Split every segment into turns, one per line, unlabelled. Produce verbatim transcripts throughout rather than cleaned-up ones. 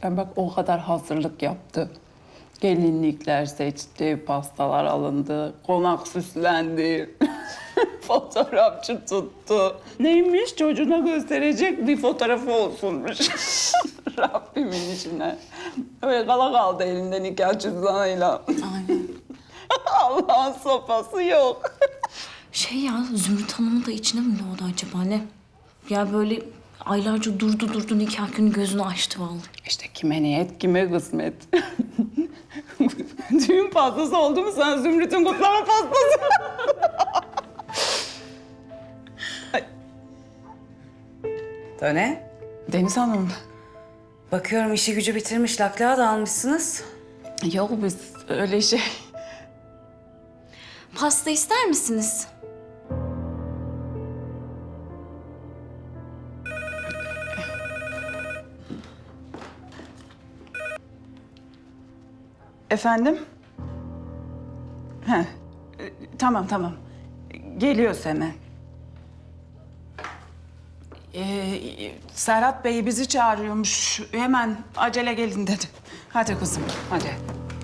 Yani bak o kadar hazırlık yaptı. Gelinlikler seçti, pastalar alındı, konak süslendi. Fotoğrafçı tuttu. Neymiş çocuğuna gösterecek bir fotoğrafı olsunmuş. Rabbimin işine. Öyle kala kaldı elinde nikah cüzdanıyla.
Aynen.
Allah'ın sopası yok.
Şey ya, Zümrüt Hanım'ın da içine mi doğdu acaba ne? Ya böyle aylarca durdu durdu nikah günü gözünü açtı vallahi.
İşte kime niyet, kime kısmet. Düğün pastası oldu mu sen Zümrüt'ün kutlama pastası?
Döne.
Deniz Hanım.
Bakıyorum işi gücü bitirmiş, laklağı da almışsınız.
Yok biz öyle şey.
Pasta ister misiniz?
Efendim? He. e, Tamam tamam. Geliyoruz hemen. Ee, Serhat Bey bizi çağırıyormuş. Hemen acele gelin dedi. Hadi kızım, hadi.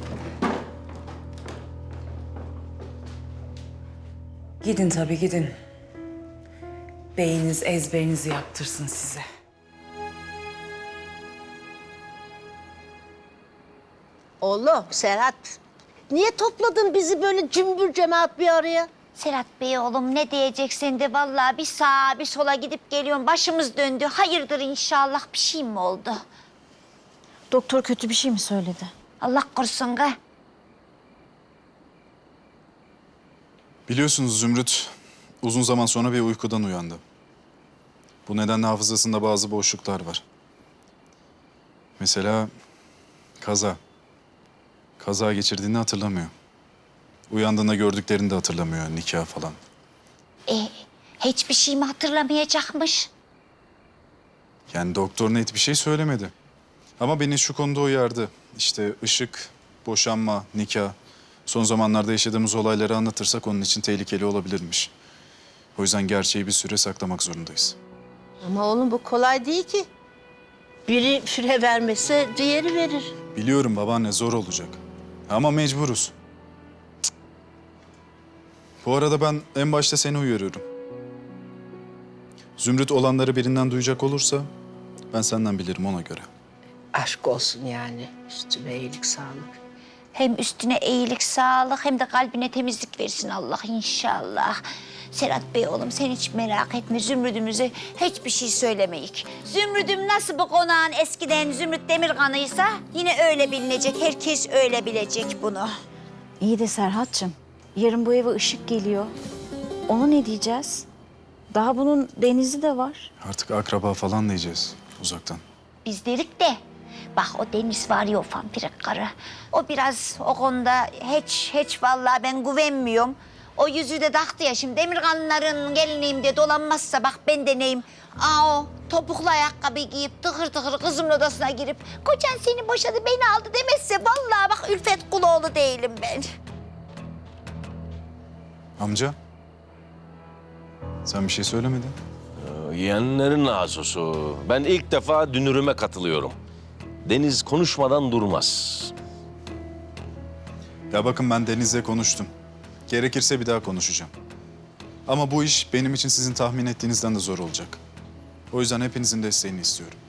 Gidin tabii gidin. Beyiniz ezberinizi yaptırsın size.
Oğlum Serhat, niye topladın bizi böyle cümbür cemaat bir araya?
Serhat Bey oğlum ne diyeceksin de vallahi bir sağa bir sola gidip geliyorum. Başımız döndü. Hayırdır inşallah bir şey mi oldu?
Doktor kötü bir şey mi söyledi?
Allah korusun ga.
Biliyorsunuz Zümrüt uzun zaman sonra bir uykudan uyandı. Bu nedenle hafızasında bazı boşluklar var. Mesela kaza. Kaza geçirdiğini hatırlamıyor. Uyandığında gördüklerini de hatırlamıyor, nikah falan.
E, hiçbir şey mi hatırlamayacakmış?
Yani doktor net bir şey söylemedi. Ama beni şu konuda uyardı. İşte ışık, boşanma, nikah. Son zamanlarda yaşadığımız olayları anlatırsak onun için tehlikeli olabilirmiş. O yüzden gerçeği bir süre saklamak zorundayız.
Ama oğlum bu kolay değil ki. Biri fire vermese diğeri verir.
Biliyorum babaanne zor olacak. Ama mecburuz. Cık. Bu arada ben en başta seni uyarıyorum. Zümrüt olanları birinden duyacak olursa ben senden bilirim ona göre.
Aşk olsun yani. Üstüme iyilik sağlık.
Hem üstüne iyilik, sağlık hem de kalbine temizlik versin Allah inşallah. Serhat Bey oğlum sen hiç merak etme. Zümrüdümüze hiçbir şey söylemeyik. Zümrüdüm nasıl bu konağın eskiden Zümrüt Demirkan'ıysa yine öyle bilinecek. Herkes öyle bilecek bunu.
İyi de Serhat'cığım, yarın bu eve ışık geliyor. Ona ne diyeceğiz? Daha bunun denizi de var.
Artık akraba falan diyeceğiz uzaktan.
Biz derik de bak o Deniz var ya o vampirik karı. O biraz o konuda hiç hiç vallahi ben güvenmiyorum. O yüzüğü de taktı ya şimdi Demirkanlıların gelinliğim diye dolanmazsa bak ben de neyim. Aa o topuklu ayakkabı giyip tıkır tıkır kızımın odasına girip kocan seni boşadı beni aldı demezse vallahi bak Ülfet Kuloğlu değilim ben.
Amca, sen bir şey söylemedin.
Yeğenlerin nasusu. Ben ilk defa dünürüme katılıyorum. Deniz konuşmadan durmaz.
Ya bakın ben Deniz'le konuştum. Gerekirse bir daha konuşacağım. Ama bu iş benim için sizin tahmin ettiğinizden de zor olacak. O yüzden hepinizin desteğini istiyorum.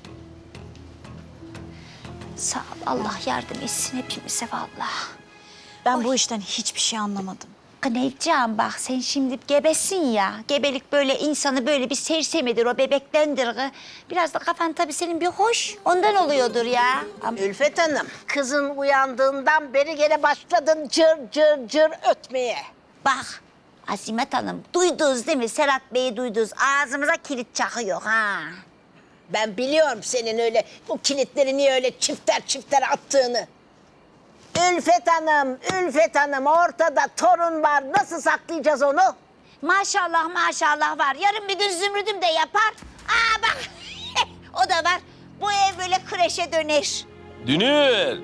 Sağ ol Allah yardım etsin hepimize vallahi.
Ben
Oy.
bu işten hiçbir şey anlamadım.
Nevcan bak sen şimdi gebesin ya. Gebelik böyle insanı böyle bir sersemidir o bebektendir. kı. Biraz da kafan tabii senin bir hoş. Ondan oluyordur ya. Ama
Ülfet Hanım, kızın uyandığından beri gene başladın cır cır cır ötmeye.
bak Azimet Hanım duydunuz değil mi? Serhat Bey'i duydunuz. Ağzımıza kilit çakıyor ha.
Ben biliyorum senin öyle bu kilitleri niye öyle çifter çifter attığını. Ülfet Hanım, Ülfet Hanım ortada torun var. Nasıl saklayacağız onu?
Maşallah maşallah var. Yarın bir gün Zümrüdüm de yapar. Aa bak o da var. Bu ev böyle kreşe döner.
Dünür!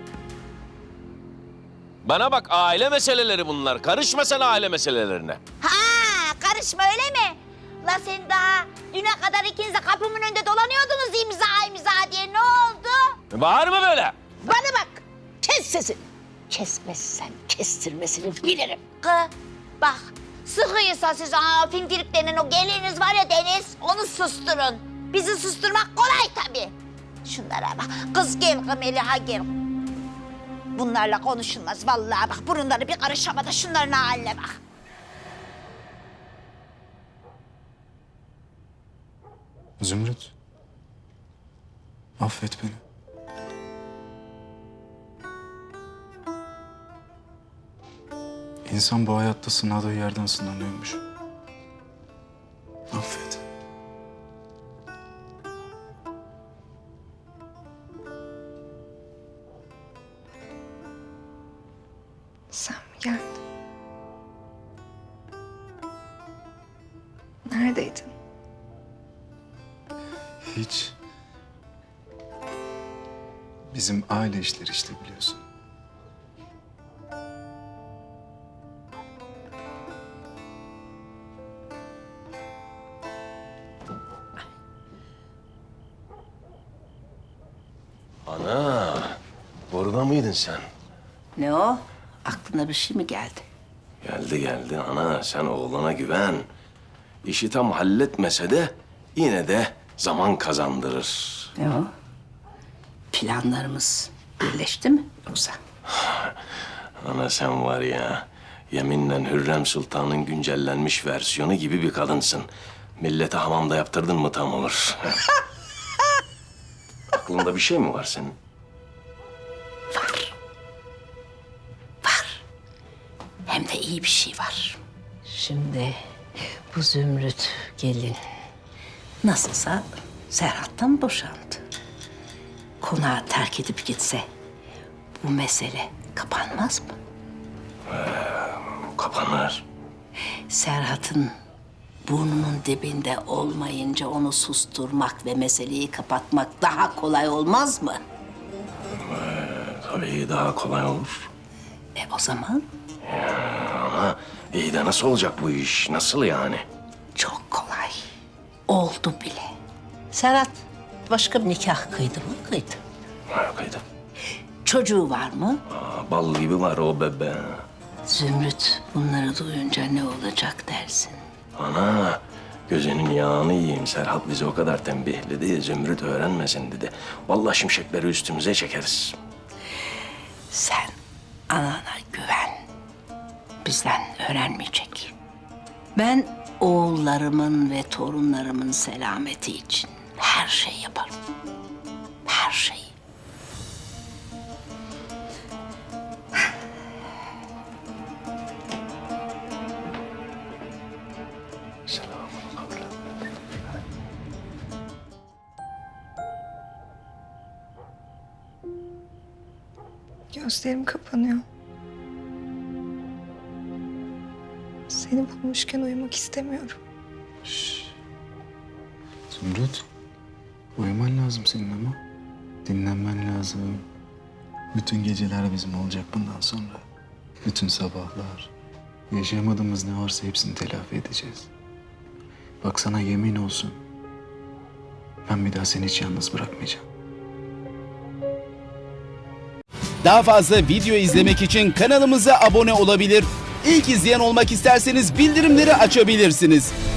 Bana bak aile meseleleri bunlar. Karışma sen aile meselelerine.
Ha karışma öyle mi? La sen daha düne kadar ikiniz de kapımın önünde dolanıyordunuz imza imza diye ne oldu?
Bağırma böyle.
Bana bak. Kes sesini. Kesmezsen kestirmesini bilirim.
Kı, bak sıkıysa siz aa, fintirik denen o geliniz var ya Deniz, onu susturun. Bizi susturmak kolay tabii. Şunlara bak, kız gel kız Meliha gel. Bunlarla konuşulmaz vallahi bak, burunları bir karış havada, şunların haline bak.
Zümrüt. Affet beni. İnsan bu hayatta sınadığı yerden sınanıyormuş. Affet.
Sen mi geldin? Neredeydin?
Hiç. Bizim aile işleri işte biliyorsun.
Ana, burada mıydın sen?
Ne o? Aklına bir şey mi geldi?
Geldi geldi ana, sen oğlana güven. İşi tam halletmese de yine de zaman kazandırır.
Ne o? Planlarımız birleşti mi yoksa?
Ana sen var ya, yeminle Hürrem Sultan'ın güncellenmiş versiyonu gibi bir kadınsın. Millete hamamda yaptırdın mı tam olur. Aklında bir şey mi var senin?
Var. Var. Hem de iyi bir şey var. Şimdi bu Zümrüt gelin nasılsa Serhat'tan boşandı. Konağı terk edip gitse bu mesele kapanmaz mı?
Kapanır.
Serhat'ın burnunun dibinde olmayınca onu susturmak ve meseleyi kapatmak daha kolay olmaz mı?
Tabii daha kolay olur.
E o zaman
Ama iyi de nasıl olacak bu iş? Nasıl yani?
çok kolay. Oldu bile. Serhat başka bir nikah kıydı mı? Kıydı.
Kıydı.
Çocuğu var mı?
Aa, bal gibi var o bebe.
Zümrüt bunları duyunca ne olacak dersin?
Ana, gözünün yağını yiyeyim. Serhat bizi o kadar tembihledi. Zümrüt öğrenmesin dedi. Vallahi şimşekleri üstümüze çekeriz.
Sen anana güven. Bizden öğrenmeyecek. Ben oğullarımın ve torunlarımın selameti için her şeyi yaparım. Her şeyi.
Gözlerim kapanıyor. Seni bulmuşken uyumak istemiyorum.
Zümrüt. Uyuman lazım senin ama. Dinlenmen lazım. Bütün geceler bizim olacak bundan sonra. Bütün sabahlar. Yaşayamadığımız ne varsa hepsini telafi edeceğiz. Bak sana yemin olsun. Ben bir daha seni hiç yalnız bırakmayacağım.
Daha fazla video izlemek için kanalımıza abone olabilir. İlk izleyen olmak isterseniz bildirimleri açabilirsiniz.